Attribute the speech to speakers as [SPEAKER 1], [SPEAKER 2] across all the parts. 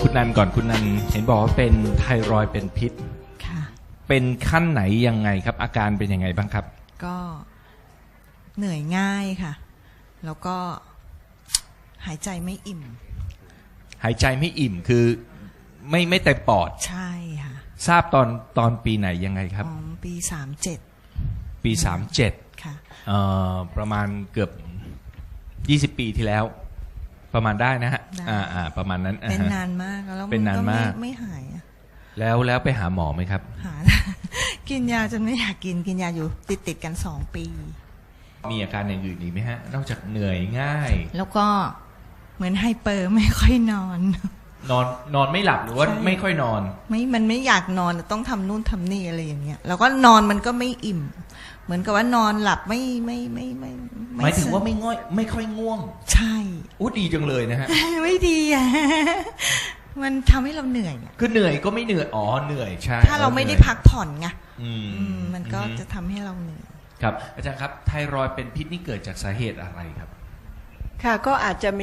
[SPEAKER 1] คุณนันก่อนคุณนันเห็นบอกว่าเป็นไทรอยด์เป็นพิษ
[SPEAKER 2] ค่ะ
[SPEAKER 1] เป็นขั้นไหนยังไงครับอาการเป็นยังไงบ้างครับ
[SPEAKER 2] ก็เหนื่อยง่ายค่ะแล้วก็หายใจไม่อิ่ม
[SPEAKER 1] หายใจไม่อิ่มคือไม่เต็มปอด
[SPEAKER 2] ใช่ค่ะ
[SPEAKER 1] ทราบตอนปีไหนยังไงครับ
[SPEAKER 2] ปี37
[SPEAKER 1] ปี37
[SPEAKER 2] ค่ะ
[SPEAKER 1] ประมาณเกือบ20ปีที่แล้วประมาณได้นะฮะประมาณนั้น
[SPEAKER 2] เป็นนานมากแล้ว
[SPEAKER 1] เป็นนานมาก
[SPEAKER 2] ไม่หาย
[SPEAKER 1] แล้วไปหาหมอไหมครับ
[SPEAKER 2] หา กินยาจนไม่อยากกินยาอยู่ติดกัน2 ปี
[SPEAKER 1] มีอาการอย่างอื่นอีกไหมฮะนอกจากเหนื่อยง่าย
[SPEAKER 2] แล้วก็เหมือนไฮเปอร์ไม่ค่อยนอน
[SPEAKER 1] ไม่หลับหรือว่าไม่ค่อยนอน
[SPEAKER 2] มันไม่อยากนอนต้องทำนู่นทำนี่อะไรอย่างเงี้ยแล้วก็นอนมันก็ไม่อิ่มเหมือนกับว่านอนหลับไม่
[SPEAKER 1] หมายถึงว่าไม่ค่อยง่วง
[SPEAKER 2] ใช่
[SPEAKER 1] อู้ดีจังเลยนะฮะ
[SPEAKER 2] ไม่ดีอ่ะมันทำให้เราเหนื่อย
[SPEAKER 1] คือเหนื่อยก็ไม่เหนื่อยเหนื่อยใช่
[SPEAKER 2] ถ้าเราไม่ได้พักผ่อนไงมันก็จะทำให้เราเหนื่อย
[SPEAKER 1] ครับอาจารย์ครับไทรอยด์เป็นพิษนี่เกิดจากสาเหตุอะไรครับ
[SPEAKER 3] ค่ะก็อาจจะมี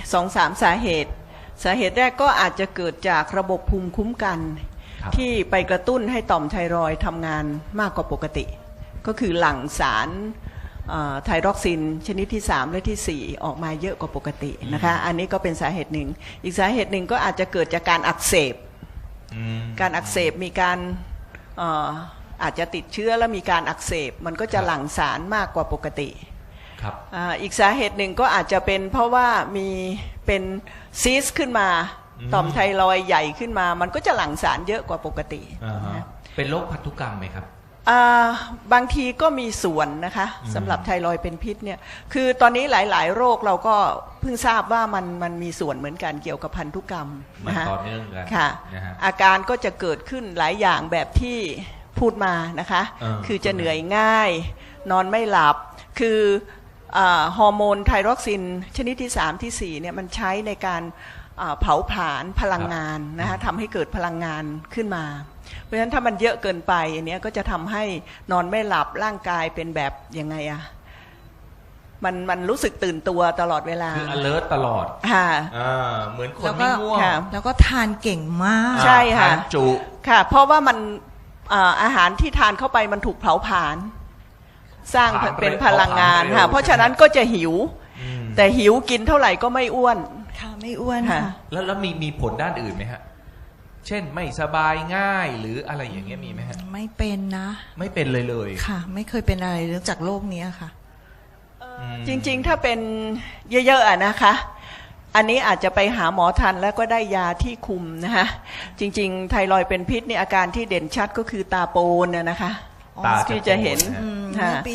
[SPEAKER 3] 2-3 สาเหตุแรกก็อาจจะเกิดจากระบบภูมิคุ้มกันที่ไปกระตุ้นให้ต่อมไทรอยด์ทำงานมากกว่าปกติก็คือหลั่งสารไทรอกซินชนิดที่3และที่4ออกมาเยอะกว่าปกตินะคะอันนี้ก็เป็นสาเหตุหนึ่งอีกสาเหตุหนึ่งก็อาจจะเกิดจากการอักเสบมีการอาจจะติดเชื้อแล้วมีการอักเสบมันก็จะหลั่งสารมากกว่าปกติอีกสาเหตุหนึ่งก็อาจจะเป็นเพราะว่ามีเป็นซีสขึ้นมาต่อมไทรอยด์ใหญ่ขึ้นมามันก็จะหลั่งสารเยอะกว่าปกติ
[SPEAKER 1] เป็นโรคพันธุกรรมไหมครับ
[SPEAKER 3] บางทีก็มีส่วนนะคะสำหรับไทรอยด์เป็นพิษเนี่ยคือตอนนี้หลายๆโรคเราก็เพิ่งทราบว่ามันมีส่วนเหมือนกันเกี่ยวกับพันธุกรรม
[SPEAKER 1] นะคะต่อเนื่องกัน
[SPEAKER 3] ค่ะอาการก็จะเกิดขึ้นหลายอย่างแบบที่พูดมานะคะคือจะเหนื่อยง่ายนอนไม่หลับคือฮอร์โมนไทรอกซินชนิดที่3ที่4เนี่ยมันใช้ในการเผาผลาญพลังงานนะคะทำให้เกิดพลังงานขึ้นมาเพราะฉะนั้นถ้ามันเยอะเกินไปอันนี้ก็จะทำให้นอนไม่หลับร่างกายเป็นแบบยังไงอะมันรู้สึกตื่นตัวตลอดเวลา
[SPEAKER 1] คือ alert ตลอด
[SPEAKER 3] ค่ะ
[SPEAKER 1] เหมือนคนไม่ง่วง
[SPEAKER 2] แล้วก็ทานเก่งมาก
[SPEAKER 3] ใช่ค่ะ
[SPEAKER 1] ทานจุ
[SPEAKER 3] ค่ะเพราะว่ามันอาหารที่ทานเข้าไปมันถูกเผาผลาญสร้างเป็นพลังงานค่ะเพราะฉะนั้นก็จะหิวแต่หิวกินเท่าไหร่ก็ไม่อ้วน
[SPEAKER 2] ค่ะไม่อ้วนค่ะ
[SPEAKER 1] แล้วมีผลด้านอื่นไหมฮะเช่นไม่สบายง่ายหรืออะไรอย่างเงี้ยมีไหมฮะ
[SPEAKER 2] ไม่เป็นนะ
[SPEAKER 1] ไม่เป็นเลย
[SPEAKER 2] ค่ะไม่เคยเป็นอะไรเรื่องจากโรคนี้ค่ะ
[SPEAKER 3] จริงๆถ้าเป็นเยอะๆนะคะอันนี้อาจจะไปหาหมอทันแล้วก็ได้ยาที่คุมนะคะจริงๆไทรอยด์เป็นพิษนี่อาการที่เด่นชัดก็คือตาโปนนะคะที่จะเห็น
[SPEAKER 2] ปี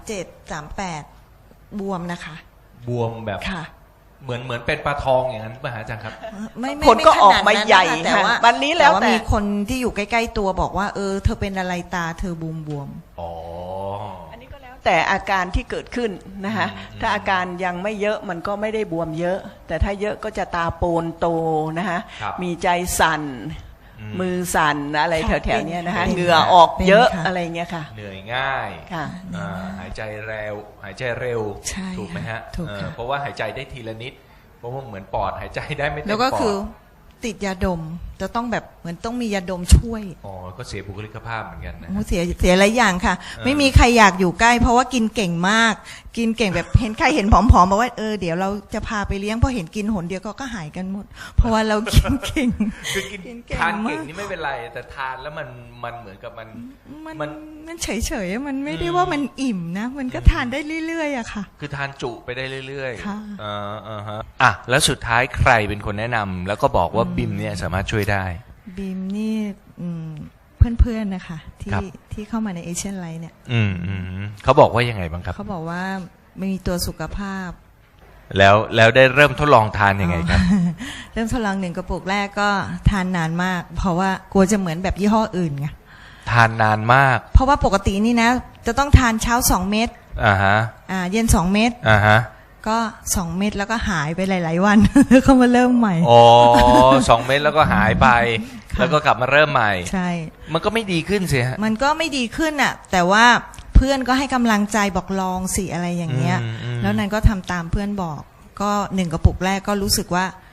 [SPEAKER 2] 37-38บวมนะคะ
[SPEAKER 1] บวมแบบเหมือนเป็นปลาทองอย่างนั้นป่ะฮะอาจารย์ครับ
[SPEAKER 3] ผลก็ออกมาใหญ่ค่ะวันนี้แล้วแต่
[SPEAKER 2] มีคนที่อยู่ใกล้ๆตัวบอกว่าเธอเป็นอะไรตาเธอบวม
[SPEAKER 3] อันนี้ก็แล้วแต่อาการที่เกิดขึ้นนะคะถ้าอาการยังไม่เยอะมันก็ไม่ได้บวมเยอะแต่ถ้าเยอะก็จะตาโปนโตนะคะมีใจสั่นมือสั่นอะไรแถวๆนี้นะคะเหงื่อออกเยอะอะไรเงี้ยค่ะ
[SPEAKER 1] เหนื่อยง่ายหายใจเร็วถูกไหมฮะเพราะว่าหายใจได้ทีละนิดเพราะว่าเหมือนปอดหายใจได้ไม่เต็มปอด
[SPEAKER 2] แล้วก็คือติดยาดมจะต้องแบบเหมือนต้องมียาดมช่วย
[SPEAKER 1] ก็เสียบุคลิกภาพเหมือนกันนะ
[SPEAKER 2] เสียหลายอย่างค่ะไม่มีใครอยากอยู่ใกล้เพราะว่ากินเก่งมากกินเก่งแบบเห็นใครเห็นผอมๆบอกว่าเดี๋ยวเราจะพาไปเลี้ยงพอเห็นกินหนเดียวก็หายกันหมดเพราะว่าเรากินเก่ง
[SPEAKER 1] คือกินทานเก่งนี่ไม่เป็นไรแต่ทานแล้วมันเหมือนกับ
[SPEAKER 2] มันเฉยๆมันไม่ได้ว่ามันอิ่มนะมันก็ทานได้เรื่อยๆอะค่ะ
[SPEAKER 1] คือทานจุไปได้เรื่อยๆค่ะแล้วสุดท้ายใครเป็นคนแนะนำแล้วก็บอกว่าบิมเนี่ยสามารถช่วยได้
[SPEAKER 2] บิมนี่เพื่อนๆนะคะที่เข้ามาในเอเชียนไลท์เนี่ย
[SPEAKER 1] เขาบอกว่ายังไงบ้างครับ
[SPEAKER 2] เขาบอกว่าไม่มีตัวสุขภาพ
[SPEAKER 1] แล้วได้เริ่มทดลองทานยังไงครับ
[SPEAKER 2] เริ่มทดลอง1 กระปุกแรกก็ทานนานมากเพราะว่ากลัวจะเหมือนแบบยี่ห้ออื่นไง
[SPEAKER 1] ทานนานมาก
[SPEAKER 2] เพราะว่าปกตินี่นะจะต้องทานเช้า2 เม็ดเย็น2 เม็ดก็2 เม็ดแล้วก็หายไปหลายๆวันเขามาเริ่มใหม่
[SPEAKER 1] 2 เม็ดแล้วก็หายไปแล้วก็กลับมาเริ่มใหม่
[SPEAKER 2] ใช่
[SPEAKER 1] มันก็ไม่ดีขึ้นสิฮะ
[SPEAKER 2] มันก็ไม่ดีขึ้นอ่ะแต่ว่าเพื่อนก็ให้กำลังใจบอกลองสิอะไรอย่างเงี้ยแล้วนั้นก็ทำตามเพื่อนบอกก็1 กระปุกแรกก็รู้สึกว่า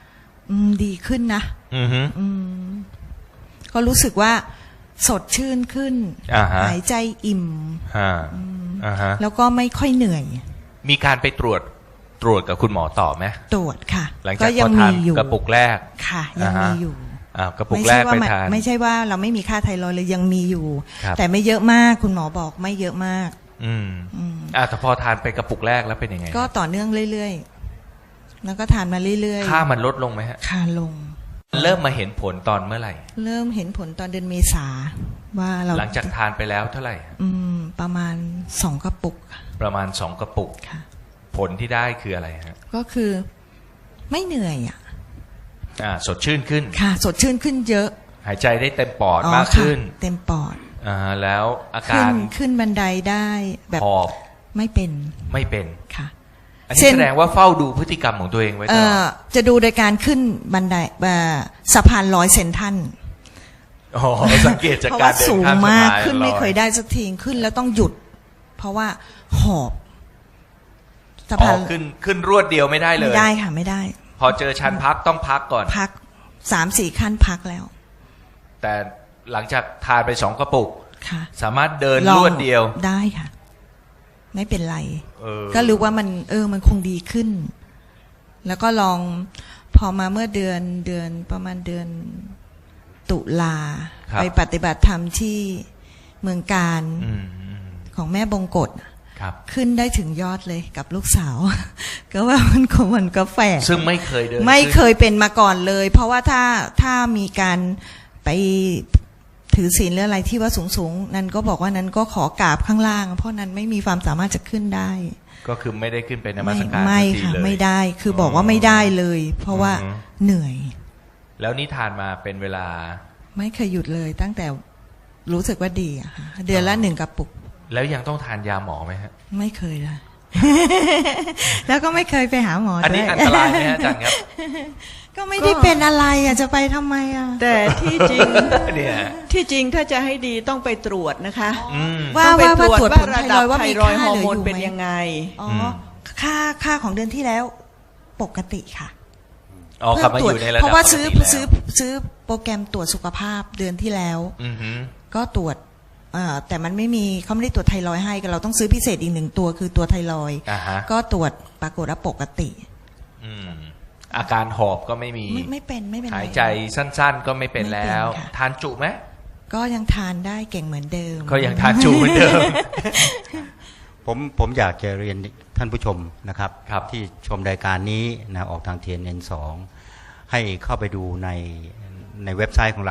[SPEAKER 2] ดีขึ้นนะ
[SPEAKER 1] อือฮึ
[SPEAKER 2] ก็รู้สึกว่าสดชื่นขึ้น หายใจอิ่ม
[SPEAKER 1] ฮะ
[SPEAKER 2] แล้วก็ไม่ค่อยเหนื่อย
[SPEAKER 1] มีการไปตรวจกับคุณหมอต่อไหม
[SPEAKER 2] ตรวจค่ะ
[SPEAKER 1] หลัง
[SPEAKER 2] ก็
[SPEAKER 1] จาก
[SPEAKER 2] ยั
[SPEAKER 1] พอทาน
[SPEAKER 2] มีอยู่
[SPEAKER 1] กระปุกแรก
[SPEAKER 2] ค่ะ ยังมีอยู่
[SPEAKER 1] กระปุกแรกไปทาน
[SPEAKER 2] ไม่ใช่ว่าเราไม่มีค่าไทรอยด์เลยยังมีอยู่
[SPEAKER 1] ครับ
[SPEAKER 2] แต่ไม่เยอะมากคุณหมอบอกไม่เยอะมาก
[SPEAKER 1] แต่พอทานไปกระปุกแรกแล้วเป็นยังไง
[SPEAKER 2] ก็ต่อเนื่องเรื่อยๆแล้วก็ทานมาเรื่อยๆ
[SPEAKER 1] ค่ามันลดลงไหมฮะ
[SPEAKER 2] ค่าลง
[SPEAKER 1] เริ่มมาเห็นผลตอนเมื่อไหร่
[SPEAKER 2] เริ่มเห็นผลตอนเดือนเมษาว่าเรา
[SPEAKER 1] หลังจากทานไปแล้วเท่าไหร่
[SPEAKER 2] ประมาณ2 กระปุก
[SPEAKER 1] ประมาณ2 กระปุก
[SPEAKER 2] ค่ะ
[SPEAKER 1] ผลที่ได้คืออะไรฮะ
[SPEAKER 2] ก็คือไม่เหนื่อยอ่ะ
[SPEAKER 1] สดชื่นขึ้น
[SPEAKER 2] ค่ะ สดชื่นขึ้นเยอะ
[SPEAKER 1] หายใจได้เต็มปอดมาก
[SPEAKER 2] ค่ะ
[SPEAKER 1] ขึ้น
[SPEAKER 2] เต็มปอด
[SPEAKER 1] แล้วอา
[SPEAKER 2] ขึ้
[SPEAKER 1] การ
[SPEAKER 2] ขึ้นบันไดได้แบบ
[SPEAKER 1] หอบ
[SPEAKER 2] ไม่เป็น
[SPEAKER 1] ไม่เป็น
[SPEAKER 2] ค่ะ
[SPEAKER 1] อันนี้แสดงว่าเฝ้าดูพฤติกรรมของตัวเองไว้ตลอด
[SPEAKER 2] จะดูโดยการขึ้นบันไดสะพาน100 เซนทัน
[SPEAKER 1] สังเกตจาก
[SPEAKER 2] เพราะ
[SPEAKER 1] การ
[SPEAKER 2] ว่า
[SPEAKER 1] เดิน
[SPEAKER 2] สูง
[SPEAKER 1] ข้ามสะ
[SPEAKER 2] มาก
[SPEAKER 1] พาน
[SPEAKER 2] ขึ้นไม่
[SPEAKER 1] ลอ
[SPEAKER 2] เคยได้สักทีขึ้นแล้วต้องหยุด เพราะว่าหอบสะพาน
[SPEAKER 1] ขึ้นรวดเดียวไม่ได้เลย
[SPEAKER 2] ไม่ได้ค่ะไม่ได้
[SPEAKER 1] พอเจอชั้นพักต้องพักก่อน
[SPEAKER 2] พัก3-4 ขั้นพักแล้ว
[SPEAKER 1] แต่หลังจากทานไป2 กระปุก
[SPEAKER 2] ค่ะ
[SPEAKER 1] สามารถเดิน
[SPEAKER 2] ลอง
[SPEAKER 1] รวดเดียว
[SPEAKER 2] ได้ค่ะ ไม่เป็นไร
[SPEAKER 1] ก็
[SPEAKER 2] ก็รู้ว่ามันคงดีขึ้น แล้วก็ลองพอมาเมื่อเดือนประมาณเดือนตุลาไปปฏิบัติธรรมที่เมืองการของแม่บงกฎ
[SPEAKER 1] ครับ
[SPEAKER 2] ขึ้นได้ถึงยอดเลยกับลูกสาว ก็ว่ามันก็แฝง
[SPEAKER 1] ซึ่งไม่เคยเดิน
[SPEAKER 2] ไม่เค
[SPEAKER 1] ขึ้น
[SPEAKER 2] ยเป็นมาก่อนเลย เพราะว่าถ้ามีการไปถือศีลหรืออะไรที่ว่าสูงนั้นก็บอกว่านั้นก็ขอกราบข้างล่าง เพราะนั้นไม่มีความสามารถจะขึ้นได้
[SPEAKER 1] ก็คือไม่ได้ขึ้นไปนมัสการ
[SPEAKER 2] ไม่
[SPEAKER 1] ทันที
[SPEAKER 2] ค่ะ
[SPEAKER 1] เลย
[SPEAKER 2] ไม่ได้คือบอกว่าไม่ได้เลย เพราะว่าเหนื่อย
[SPEAKER 1] แล้วนี่ทานมาเป็นเวลา
[SPEAKER 2] ไม่เคยหยุดเลยตั้งแต่รู้สึกว่าดีอะค่ะเดือนละ1 กระปุก
[SPEAKER 1] แล้วยังต้องทานยาหมอไหมฮะ
[SPEAKER 2] ไม่เคยเลย แล้วก็ไม่เคยไปหาหมอ
[SPEAKER 1] อันนี้
[SPEAKER 2] ด้วย
[SPEAKER 1] อันตรายไหมฮะอาจารย์ครับ
[SPEAKER 2] ก็ไม่ได้เป็นอะไรอะจะไปทำไมอะ
[SPEAKER 3] แต่ที่จริง
[SPEAKER 1] เนี่ย
[SPEAKER 3] ที่จริงถ้าจะให้ดีต้องไปตรวจนะคะ
[SPEAKER 2] ว่า
[SPEAKER 3] ต้องไป
[SPEAKER 2] ว่า
[SPEAKER 3] ตรวจ
[SPEAKER 2] ตรวจ
[SPEAKER 3] ว่า
[SPEAKER 2] ผล
[SPEAKER 3] ระ
[SPEAKER 2] ไท
[SPEAKER 3] ดั
[SPEAKER 2] ร
[SPEAKER 3] บ
[SPEAKER 2] อยด์ว่า
[SPEAKER 3] ไท
[SPEAKER 2] มี
[SPEAKER 3] รอยด์
[SPEAKER 2] ค่า
[SPEAKER 3] ฮอ
[SPEAKER 2] เห
[SPEAKER 3] ร์
[SPEAKER 2] ลื
[SPEAKER 3] โม
[SPEAKER 2] อน ยู่
[SPEAKER 3] เป็น
[SPEAKER 2] ไหม
[SPEAKER 3] ยังไง
[SPEAKER 2] อ๋อค่าของเดือนที่แล้วปกติค่ะ
[SPEAKER 1] กลับมาอยู่ในระดับ
[SPEAKER 2] เพราะว่า
[SPEAKER 1] ปกติ
[SPEAKER 2] ซื้อโปรแกรมตรวจสุขภาพเดือนที่แล้ว
[SPEAKER 1] อือฮึ
[SPEAKER 2] ก็ตรวจแต่มันไม่มีเขาไม่ได้ตรวจไทรอยด์ให้เราต้องซื้อพิเศษอีก1 ตัวคือตัวไทรอยด์
[SPEAKER 1] ฮะ
[SPEAKER 2] ก็ตรวจปรากฏว่าปกติ
[SPEAKER 1] อาการหอบก็ไม่มี
[SPEAKER 2] ไม่เป็นไร
[SPEAKER 1] หายใจสั้นๆ ก็ไม่เป็นแล้ว
[SPEAKER 2] ไม่เป็นค่ะ
[SPEAKER 1] ทานจุไหม
[SPEAKER 2] ก็ยังทานได้เก่งเหมือนเดิม
[SPEAKER 1] ก็ยังทานจุเหมือนเดิม
[SPEAKER 4] ผมอยากจะเรียนท่านผู้ชมนะครับ
[SPEAKER 1] ครับ
[SPEAKER 4] ที่ชมรายการนี้นะออกทาง TNN2 ให้เข้าไปดูในเว็บไซต์ของเรา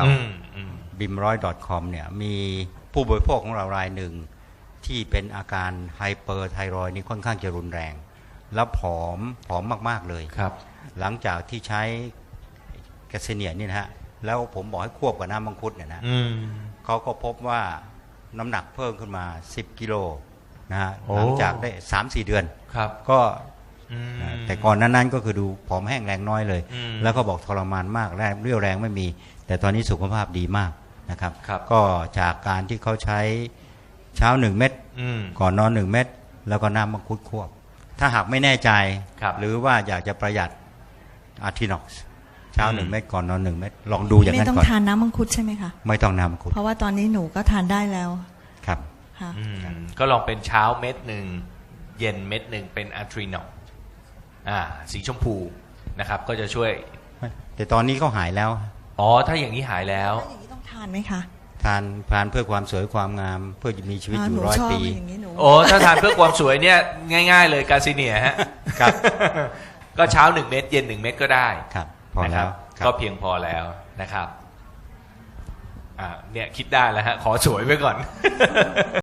[SPEAKER 4] bimroy.com เนี่ยมีผู้บริโภคของเรารายหนึ่งที่เป็นอาการไฮเปอร์ไทรอยด์นี่ค่อนข้างจะรุนแรง แล้วผอมมากๆเลย
[SPEAKER 1] ครับ
[SPEAKER 4] หลังจากที่ใช้แกสเนียนี่นะฮะแล้วผมบอกให้ควบกับน้ำมังคุดเนี่ยนะเขาก็พบว่าน้ำหนักเพิ่มขึ้นมา10 กิโลนะฮะ
[SPEAKER 1] โอ้
[SPEAKER 4] หลังจากได้ 3-4 เดือน
[SPEAKER 1] ครับ
[SPEAKER 4] ก็
[SPEAKER 1] อืม
[SPEAKER 4] แต่ก่อนนั้นก็คือดูผอมแห้งแรงน้อยเลย
[SPEAKER 1] อืม
[SPEAKER 4] แล้วก็บอกทรมานมากแรงเรี่ยวแรงไม่มี แต่ตอนนี้สุขภาพดีมากนะครับ
[SPEAKER 1] ครับ
[SPEAKER 4] ก็จากการที่เขาใช้เช้า1 เม็ด ก่อนนอน1 เม็ดแล้วก็น้ำมังคุดควบ ถ้าหากไม่แน่ใจ
[SPEAKER 1] ครับ
[SPEAKER 4] หรือว่าอยากจะประหยัดอาร์ทินอกซ์เช้า1 เม็ดก่อนนอน1 เม็ดลองดูอย่าง
[SPEAKER 2] ไม่
[SPEAKER 4] นั้น
[SPEAKER 2] ต้อง
[SPEAKER 4] ก่อน
[SPEAKER 2] ทานน้ำมังคุดใช่ไหมคะ
[SPEAKER 4] ไม่ต้องน้ำมังคุด
[SPEAKER 2] เพราะว่าตอนนี้หนูก็ทานได้แล้ว
[SPEAKER 4] ครับ
[SPEAKER 2] ค่ะ
[SPEAKER 1] ก็ลองเป็นเช้าเม็ดหนึ่งเย็นเม็ดหนึ่งเป็นอะทรีนอลสีชมพูนะครับ ก็จะช่วย
[SPEAKER 4] แต่ตอนนี้เขาหายแล้ว
[SPEAKER 1] ถ้าอย่างนี้หายแล้ว
[SPEAKER 2] แล้วอย่างนี้ต้องทานไหมคะ
[SPEAKER 4] ทานเพื่อความสวยความงามเพื่อจะมีชีวิตอยู่
[SPEAKER 2] หนู
[SPEAKER 4] 100
[SPEAKER 2] ชอบ
[SPEAKER 4] ปี
[SPEAKER 2] อย่างนี้หนู
[SPEAKER 1] ถ้าทานเพื่อความสวยเนี่ยง่ายๆเลยกาซิเนียฮะ
[SPEAKER 4] ครับ
[SPEAKER 1] ก็เช้า1 เม็ดเย็น1 เม็ดก็ได้
[SPEAKER 4] ครับพอ
[SPEAKER 1] นะค
[SPEAKER 4] แล้
[SPEAKER 1] รับ
[SPEAKER 4] วครับ
[SPEAKER 1] ก็เพียงพอแล้วนะครับเนี่ยคิดได้แล้วฮะขอสวยไว้ก่อน